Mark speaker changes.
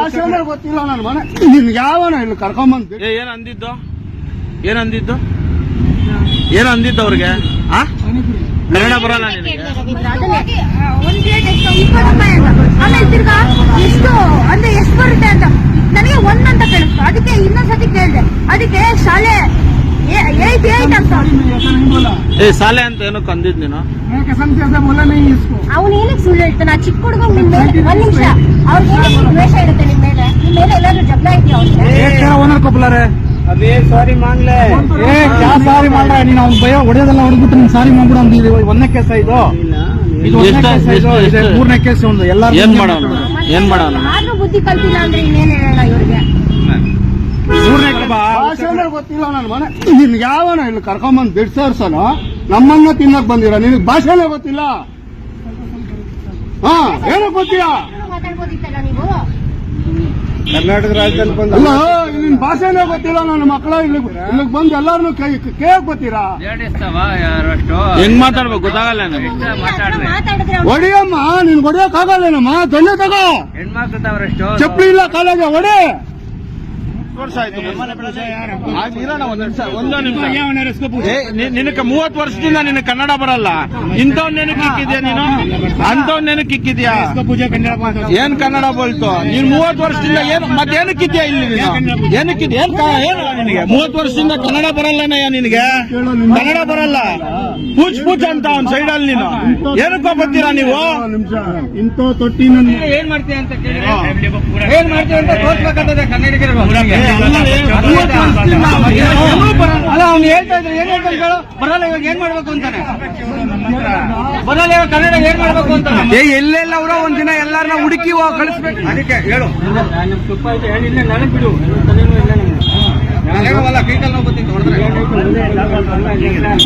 Speaker 1: ಭಾಷೆನೇ ಗೊತ್ತಿಲ್ಲ ನನ್ನ ಮನೆ ನಿನ್ ಯಾವನ ಇಲ್ಲಿ ಕರ್ಕೊಂಬಂದ್
Speaker 2: ಏನ್ ಅಂದಿದ್ದು ಏನ್ ಅಂದಿದ್ದು ಅವ್ರಿಗೆ ಕನ್ನಡ ಬರಲ್ಲ ನಿನಗೆ?
Speaker 3: ಒಂದ್ ಪ್ಲೇಟ್ ಎಷ್ಟು 20 ರೂಪಾಯಿ ಅಂತ. ಆಮೇಲೆ ತಿರ್ಗಾ ಎಷ್ಟು ಅಂದ್ರೆ ಎಷ್ಟು ಬರುತ್ತೆ ಅಂತ ನನಗೆ ಒಂದ್ ಅಂತ ಕೇಳಿಸ್ತು. ಅದಕ್ಕೆ ಇನ್ನೊಂದ್ಸತಿ ಕೇಳಿದೆ. ಅದಕ್ಕೆ ಶಾಲೆ 8 ಅಂತ
Speaker 2: ಶಾಲೆ ಅಂತ ಏನಕ್ಕೆ ಅಂದಿದ್ ನೀನು?
Speaker 3: ಅವ್ನು ಏನಕ್ಕೆ ಸುಳ್ಳು ಹೇಳ್ತಾನೆ? ಆ ಚಿಕ್ಕ ಹುಡುಗ ನಿಮ್ ಮೇಲೆ ಒಂದ್ ನಿಮಿಷ ಅವ್ರಿಗೆ ಏನಕ್ಕೆ ದ್ವೇಷ ಇರುತ್ತೆ ನಿಮ್ ಮೇಲೆ ಎಲ್ಲಾದ್ರೂ ಜಗಳ ಇದೆಯಾ ಅವ್ರಿಗೆ?
Speaker 1: अभी सारी मांग ले क्या सारी मांग रहा है ನೀನು ಅವ್ನ ಭಯ ಹೊಡೆಯೋದಲ್ಲ ಹೊಡೆದ್ಬಿಟ್ಟು ನೀನು ಸಾರಿ ಮಾಡ್ಬಿಡು ಅಂದಿದ್ದೀವಿ. ಒಂದನೇ ಕೇಸ ಇದು ಮೂರನೇ ಕೇಸ್ ಒಂದು ಎಲ್ಲರೂ
Speaker 2: ಏನ್ ಮಾಡೋಣ
Speaker 3: ಆದ್ರೂ ಬುದ್ಧಿ ಕಲ್ತಿಲ್ಲ ಅಂದ್ರೆ ಇನ್ನೇನ್ ಹೇಳೋಣ ಇವ್ರಿಗೆ?
Speaker 1: ಭಾಷೆನೇ ಗೊತ್ತಿಲ್ಲ ನನ್ನ ಮನೆ ನಿನ್ ಯಾವನ ಇಲ್ಲಿ ಕರ್ಕೊಂಬಂದ್ ಬಿಡ್ಸರ್ಸನ ನಮ್ಮನ್ನ ತಿನ್ನಕ್ ಬಂದಿರ ನಿನಗ್ ಭಾಷೆನೇ ಗೊತ್ತಿಲ್ಲ. ಹಾ ಏನೋ ಗೊತ್ತಿಲ್ಲ
Speaker 3: ಮಾತಾಡ್ಬೋದಿತ್ತಲ್ಲ ನೀವು?
Speaker 1: ಕರ್ನಾಟಕ ರಾಜ್ಯದಲ್ಲಿ ಬಂದ ನಿನ್ ಭಾಷೆನೇ ಗೊತ್ತಿಲ್ಲ ನನ್ನ ಮಕ್ಕಳ ಇಲ್ಲಿಗ್ ಬಂದು ಎಲ್ಲಾರನು ಕೇಳಕ್ ಗೊತ್ತೀರಾ?
Speaker 2: ಹೆಂಗ್ ಮಾತಾಡ್ಬೇಕು ಗೊತ್ತಾಗಲ್ಲ ನನಗೆ.
Speaker 3: ಮಾತಾಡಿದ್ರೆ
Speaker 1: ಹೊಡಿಯಮ್ಮ ನಿನ್ ಹೊಡಿಯಕ್ ಆಗಲ್ಲೇನಮ್ಮ ದೊಣ್ಣೆ ತಗೋ ಚಪ್ಪಲಿ ಇಲ್ಲ ಕಾಲೇಜ ಹೊಡಿ. ವರ್ಷ ಆಯ್ತು ನಿನಗೆ 30 ವರ್ಷದಿಂದ ನಿನಗೆ ಕನ್ನಡ ಬರಲ್ಲ. ಇಂಥವ್ ನೆನಕ್ ಇಕ್ಕಿದ್ಯಾ ನೀನು? ಅಂತವ್ ನೆನಕ್ ಇಕ್ಕಿದ್ಯಾ? ಏನ್ ಕನ್ನಡ ಬೋಲ್ತು ನೀನ್ 30 ವರ್ಷದಿಂದ ಏನು ಮತ್ತೇನಕ್ಕಿದ್ಯಾ ಇಲ್ಲಿ ನೀನು? ಏನಕ್ಕಿದ್ಯಾ ಏನು ನಿನಗೆ 30 ವರ್ಷದಿಂದ ಕನ್ನಡ ಬರಲ್ಲನಯ್ಯ ನಿನಗೆ? ಕನ್ನಡ ಬರಲ್ಲ ಪೂಚ್ ಅಂತ ಅವ್ನ ಸೈಡಲ್ಲಿ ನೀನು ಏನಕ್ಕೋ ಬರ್ತೀರಾ ನೀವು? ಇಂಥ ತೊಟ್ಟಿ
Speaker 4: ಏನ್ ಮಾಡ್ತೀಯ ಅಂತ ಕೇಳಿದ್ರೆ ಏನ್ ಮಾಡ್ತೀವಿ ಅಂತ ತೋರ್ಸ್ಬೇಕಾಗ್ತದೆ ಕನ್ನಡಿಗರು.
Speaker 1: ಅಲ್ಲ ಅವ್ನು ಹೇಳ್ತಾ ಇದ್ರೆ ಏನ್ ಹೇಳ್ತಾನೆ ಹೇಳು?
Speaker 4: ಬರಲ್ಲ ಇವಾಗ ಏನ್ ಮಾಡ್ಬೇಕು ಅಂತಾನೆ ಬರಲ್ಲ ಇವಾಗ ಕನ್ನಡ ಏನ್ ಮಾಡ್ಬೇಕು ಅಂತಾನೆ.
Speaker 1: ಎಲ್ಲೆಲ್ಲ ಅವರ ಒಂದಿನ ಎಲ್ಲಾರನ್ನ ಹುಡುಕಿ ಕಳಿಸ್ಬೇಕು. ಅದಕ್ಕೆ ಹೇಳು
Speaker 4: ತುಪ್ಪ ಆಯ್ತು ಹೇಳಿಲ್ಲ ನನಗ್ ಬಿಡು ತಲೆನೂ ಇಲ್ಲ ನಮ್ಗೆ.
Speaker 1: ಕೈಕಲ್ ನೋವು ಗೊತ್ತಿತ್ತು ಹೊಡೆದ್ರೆ